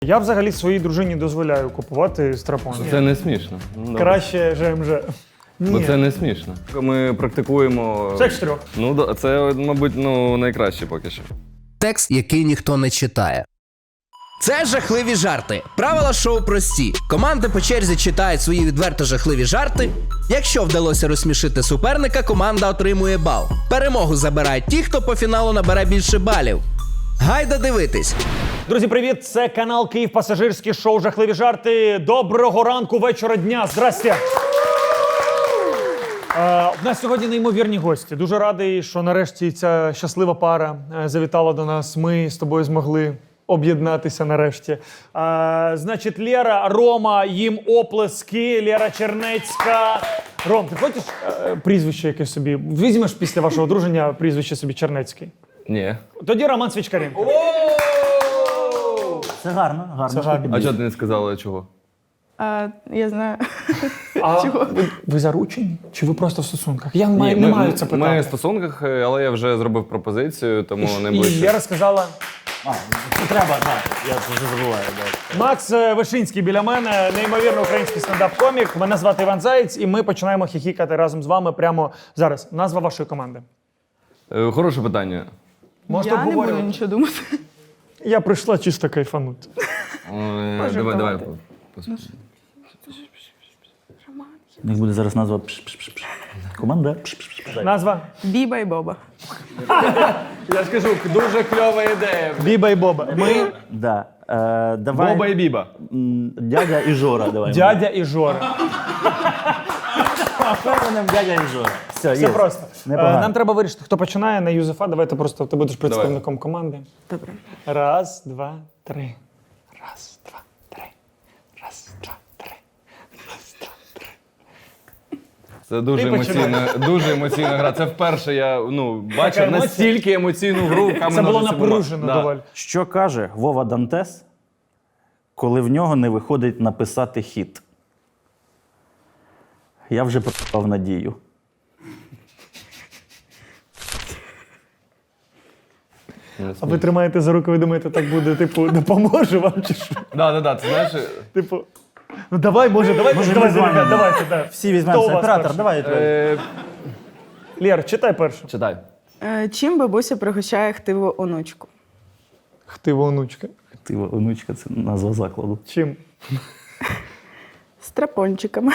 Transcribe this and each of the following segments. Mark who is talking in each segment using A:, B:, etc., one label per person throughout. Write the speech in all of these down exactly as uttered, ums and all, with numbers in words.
A: Я взагалі своїй дружині дозволяю купувати страпон.
B: Це не смішно. Ну,
A: Краще ЖМЖ.
B: Бо
A: Ні.
B: це не смішно. Ми практикуємо.
A: Секс трьох.
B: Ну, да, це, мабуть, ну, найкраще поки що.
C: Текст, який ніхто не читає. Це жахливі жарти. Правила шоу прості. Команди по черзі читають свої відверто жахливі жарти. Якщо вдалося розсмішити суперника, команда отримує бал. Перемогу забирають ті, хто по фіналу набере більше балів. Гайда дивитись!
A: Друзі, привіт! Це канал Київ Пасажирський, шоу «Жахливі жарти». Доброго ранку, вечора, дня. Здрасте! Е, У нас сьогодні неймовірні гості. Дуже радий, що нарешті ця щаслива пара е, завітала до нас. Ми з тобою змогли об'єднатися нарешті. Е, значить, Лера, Рома, їм оплески, Лера Чернецька. Ром, ти хочеш е, прізвище якесь собі? Візьмеш після вашого одруження прізвище собі Чернецький?
B: Ні.
A: Тоді Роман Свічкаренко.
D: Це гарно, гарно.
A: Це гарно.
B: А чого ти не сказала чого?
E: А, я знаю.
A: А ви, ви заручені? Чи ви просто в стосунках? Я маю, не
B: ми,
A: маю це питати.
B: Ми в стосунках, але я вже зробив пропозицію, тому не
A: І
B: ближче.
A: Лера сказала,
D: А, це треба, так. Я вже забуваю. Так.
A: Макс е, Вишинський біля мене, неймовірно український стендап-комік. Мене звати Іван Заєць, і ми починаємо хіхікати разом з вами прямо зараз. Назва вашої команди.
B: Е, Хороше питання.
A: Можете
E: я не буду
A: обговорювати?
E: нічого думати.
A: Я прийшла чисто кайфанути.
B: Е, Давай, давай.
D: У них буде зараз назва пш-пш-пш-пш. Команда пш-пш-пш-пш.
A: Назва?
E: Біба і Боба.
B: Я ж кажу, дуже кльова ідея.
A: Біба і Боба. Ми
D: Да. Е, давай.
B: Боба і Біба.
D: М, Дядя і Жора, давай.
A: дядя і Жора.
D: Впевненим дядя і Жора. Все,
A: Все
D: є.
A: просто. Е,
D: Непогано.
A: Нам треба вирішити, хто починає на Юзефа. Давайте просто ти будеш представником команди.
E: Добре.
A: Раз, два, три. Раз, два, три. Раз, два, три. Раз, два, три.
B: Це дуже
A: Ти
B: емоційна, дуже емоційна гра. Це вперше я ну, бачив
A: емоція?
B: настільки емоційну гру. в камінь,
A: Це було
B: ножиці, бумага.
A: напружено
B: Да.
A: доволі.
D: Що каже Вова Дантес, коли в нього не виходить написати хіт? Я вже пропав надію.
A: А ви тримаєте за руку, ви думаєте, так буде, типу, допоможе вам чи що?
B: Да, да, да, ти знаєш,
A: Типу, ну давай, може, давай,
D: Може,
A: давай,
D: ми з вами?
A: давайте, давайте, да.
D: Всі
A: Хто у
D: візьмемося.
A: вас
D: Оператор,
A: перший?
D: давай.
B: е,
A: Лєр, читай першу.
B: читай.
E: Е, чим бабуся пригощає хтиву онучку?
A: Хтива онучка.
D: Ти, онучка, це назва закладу.
A: Чим?
E: Страпончиками.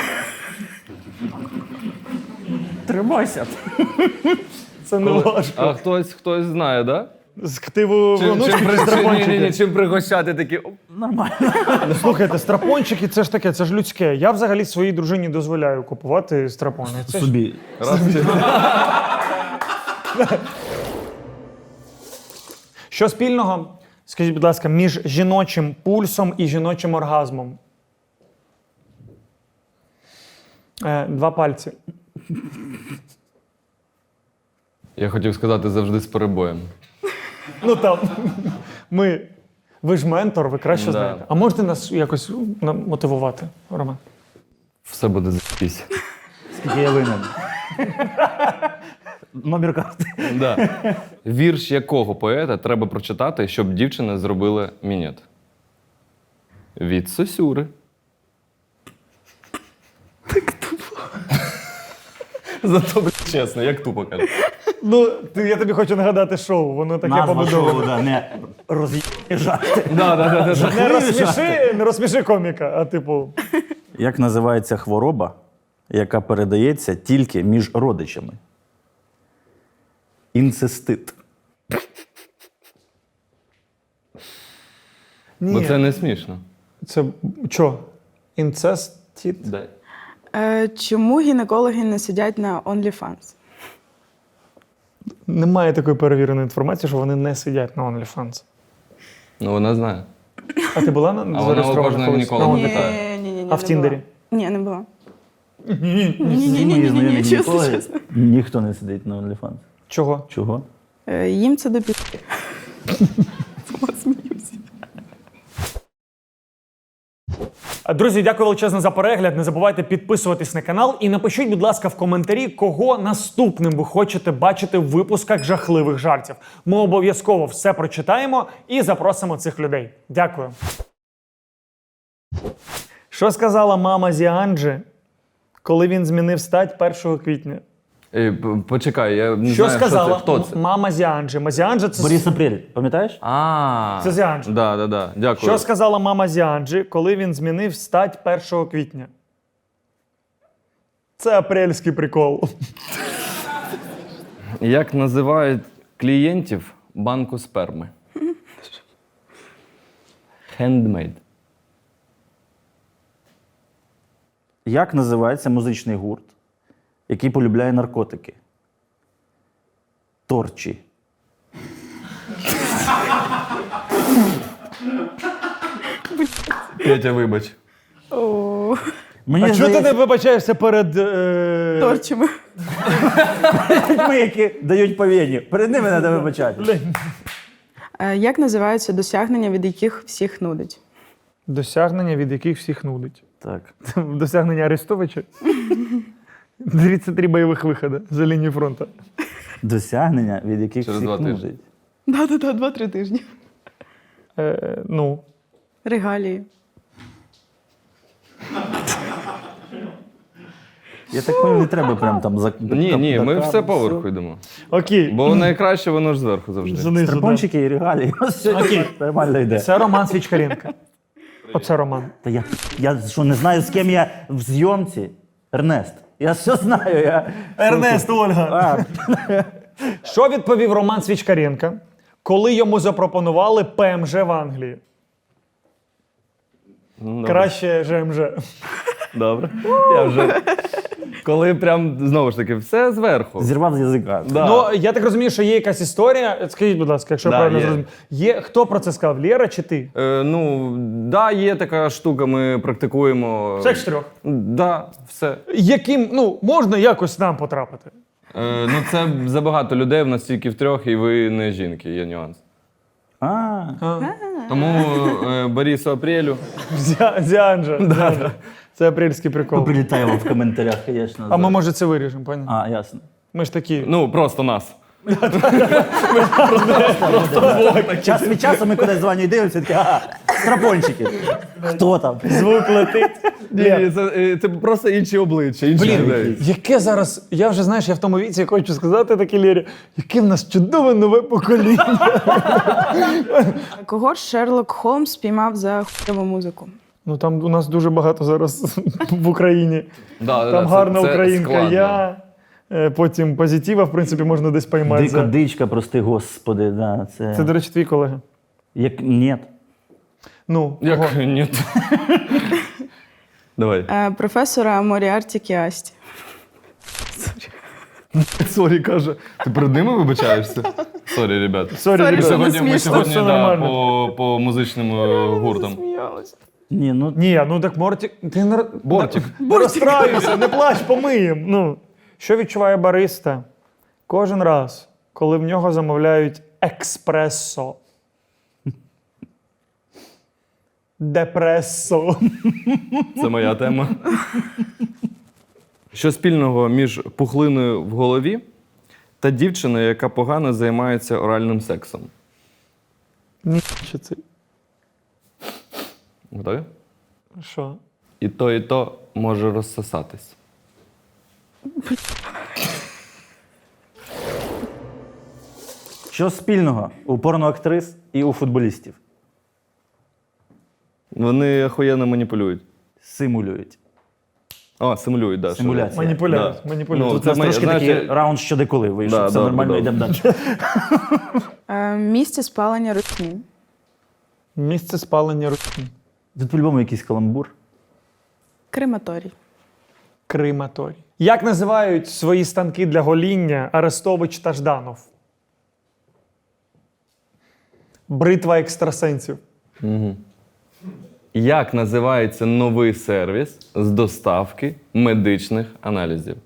D: Тримайся.
A: Це не важко.
B: А хтось, хтось знає, да?
A: З хтиву
B: Чим,
A: онучки
B: чим,
A: чи
B: при- ні, ні, ні,
A: страпончики?
B: чим пригощати такі. оп.
D: Нормально.
A: Ну, слухайте, страпончики, це ж таке, це ж людське. Я взагалі своїй дружині дозволяю купувати страпони. Це ж...
D: Собі.
B: Раз, чи-
A: Що спільного, скажіть, будь ласка, між жіночим пульсом і жіночим оргазмом? Е, два пальці.
B: Я хотів сказати завжди з перебоєм.
A: Ну там, ми, ви ж ментор, ви краще
B: Да.
A: знаєте. А можете нас якось нам мотивувати, Роман?
B: Все буде за***сь.
D: Скільки я винен. Номер карти.
B: Да. Вірш якого поета треба прочитати, щоб дівчина зробила мінет? Від Сосюри. Так тупо. Зато, блядь, чесно, як тупо каже.
A: Ну, ти, я тобі хочу нагадати шоу, воно таке
D: Назва шоу,
A: побудоване.
D: да, не роз'їбні жарти.
B: Да, да, да, да.
A: Не розсміши, не розсміши коміка, а типу.
D: Як називається хвороба, яка передається тільки між родичами? Інцестит.
B: Бо
A: Ні,
B: це не смішно.
A: це що? Інцестіт?
B: Да.
E: Е, чому гінекологи не сидять на OnlyFans?
A: Немає такої перевіреної інформації, що вони не сидять на OnlyFans.
B: Ну, вона знає.
A: А ти була на
B: А вона у
A: зареєстрована
B: кожного
A: колись?
B: гінеколога
A: На
E: Ні,
A: Only-
B: питає.
E: ні, ні, ні.
A: А в
E: не
A: Тіндері?
E: була. Ні, не була.
D: Всі
E: Ні-ні-ні,
D: мої знайомі
E: чесно,
D: гінекологи,
E: чесно.
D: ніхто не сидить на OnlyFans.
A: Чого?
D: Чого?
E: Е, їм це до пі***. Сама сміюся.
A: Друзі, дякую величезно за перегляд. Не забувайте підписуватись на канал і напишіть, будь ласка, в коментарі, кого наступним ви хочете бачити в випусках жахливих жартів. Ми обов'язково все прочитаємо і запросимо цих людей. Дякую. Що сказала мама Зіанджи, коли він змінив стать першого квітня?
B: Ей, п- почекай, я не
A: Що
B: знаю,
A: сказала
B: що це. Хто це?
A: м- мама Зіанджи? Мазіанджа це...
D: Борис Апрель, пам'ятаєш?
B: А,
A: Це Зіанджа.
B: Да, да, да. Дякую.
A: Що сказала мама Зіанджи, коли він змінив стать першого квітня? Це апрельський прикол.
B: Як називають клієнтів банку сперми? Handmade.
D: Як називається музичний гурт, який полюбляє наркотики? Торчі.
B: Петя, вибач.
D: Мені
A: А чого ти
D: здається,
A: не вибачаєшся перед... Е...
E: Торчими.
D: людьми, які дають повідні. Перед ними треба вибачати.
E: Е, Як називаються досягнення, від яких всіх нудить?
A: Досягнення, від яких всіх нудить.
D: Так.
A: Досягнення Арестовича? тридцять три бойових виходи за лінію фронту.
D: Досягнення, від яких
B: Через
D: всіх
B: два тижні.
D: нудить.
E: Да-да-да, два-три тижні.
A: Е, ну,
E: Регалії.
D: Я так поняв, не треба прям там за...
B: Ні, ні, ми
D: дока-
B: все поверху йдемо.
A: окей.
B: Бо найкраще воно ж зверху завжди.
A: Знизу, да.
D: Страпончики і регалії.
A: Окей.
D: Нормально йде.
A: Це Роман Свічкаренко. Оце Роман.
D: Та я, я що, не знаю, з ким я в зйомці? Ернест. Я все знаю. Я...
A: Ольга.
D: А,
A: Що відповів Роман Свічкаренко, коли йому запропонували ПМЖ в Англії?
B: Ну, добре.
A: Краще ЖМЖ.
B: Добре. Я вже. Коли прям знову ж таки все зверху.
D: зірвав з язика.
B: Да.
A: Ну, я так розумію, що є якась історія. Скажіть, будь ласка, якщо
B: Да,
A: я правильно
B: є.
A: зрозумів. Є, хто про це сказав, Лєра чи ти?
B: Е, ну, да, є така штука, ми практикуємо.
A: Секс чотирьох.
B: Да, все.
A: Яким, ну, можна якось нам потрапити?
B: Е, ну, це забагато людей, в нас тільки в трьох, і ви не жінки, є нюанс.
D: А,
B: Тому е, Борису Апрелю.
A: Зя- Зіанджа. Зіанджа. Це апрельський прикол.
D: прилітаємо в коментарях, звісно.
A: А ми, може, це виріжемо, пані?
D: А, ясно.
A: Ми ж такі.
B: Ну, просто нас.
D: Час від часу ми кудись дзвоню і дивимося, такі, ага, страпончики. Хто там?
A: Звук летить.
B: Ні, це, е, це просто інші обличчя, інші
A: Блін,
B: людей.
A: яке зараз, я вже, знаєш, я в тому віці хочу сказати таке, Лєрі, яке в нас чудове нове покоління.
E: Кого ж Шерлок Холмс спіймав за хуйову музику?
A: Ну там у нас дуже багато зараз в Україні.
B: Да, да,
A: Там
B: це-
A: гарна
B: це
A: українка
B: складно.
A: я. е, Потім позитива, в принципі, можна десь поймати.
D: Дика
A: за-
D: дичка, прости господи. Да, це...
A: Це, до речі, твій колега.
D: Як... Ні.
A: Ну, кого?
B: Як ні. Давай.
E: Е, Професора Моріарті Кіасті.
B: Сорі, каже. Ти перед ними вибачаєшся? Сорі, ребят.
A: Сорі,
E: Сорі,
B: Ми
A: ребята.
B: сьогодні, ми
E: смішно.
B: сьогодні
A: Все
B: да,
A: нормально.
B: по, по музичним е, гуртам.
D: Ні, ну
A: Ні, ну так Мортик. Ти не... р-
B: Бортик.
A: Не розстраюйся, не плач, помиєм. Ну. Що відчуває бариста кожен раз, коли в нього замовляють експресо? Депресо.
B: Це моя тема. Що спільного між пухлиною в голові та дівчиною, яка погано займається оральним сексом?
A: Ні, що це?
B: Готові?
A: Що?
B: І то, і то може розсосатись.
D: що спільного у порноактрис і у футболістів?
B: Вони охуєнно маніпулюють.
D: Симулюють.
B: О, симулюють, да.
D: Симуляція.
B: що-
A: Маніпуляють,
B: Да.
A: маніпуляють.
B: Ну,
D: Тут у нас
B: ми-
D: трошки
B: знаєш,
D: такий раунд що де коли вийшов.
B: Да,
D: Все
B: добре,
D: нормально,
B: добре.
D: йдемо далі.
E: Е, Місце спалення русні.
A: Місце спалення русні.
D: Тут по-любому якийсь каламбур.
E: Крематорій.
A: Крематорій. Як називають свої станки для гоління Арестович та Жданов? Бритва екстрасенсів.
B: Як називається новий сервіс з доставки медичних аналізів?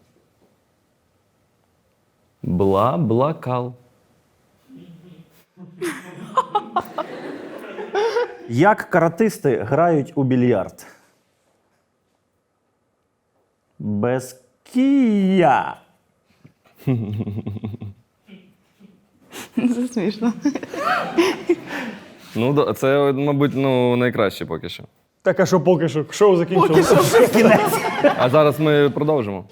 B: Бла-блакал.
D: Як каратисти грають у більярд? Без кія.
E: Це смішно.
B: Ну, да, це, мабуть, ну, найкраще поки що.
A: Так, а що поки що? Шоу закінчилося.
B: А зараз ми продовжимо.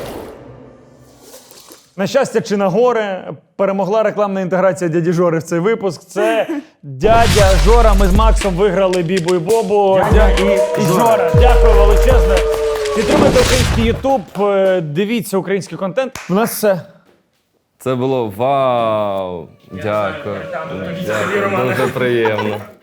A: На щастя чи на горе, перемогла рекламна інтеграція дяді Жори в цей випуск. Це дядя Жора. Ми з Максом виграли Бібу і Бобу.
D: Дядя і
A: і
D: Жора.
A: Жора. Дякую величезно. Підтримуйте український Ютуб, е, дивіться український контент. У нас все.
B: Це було вау. Дякую. Дякую. Дуже приємно.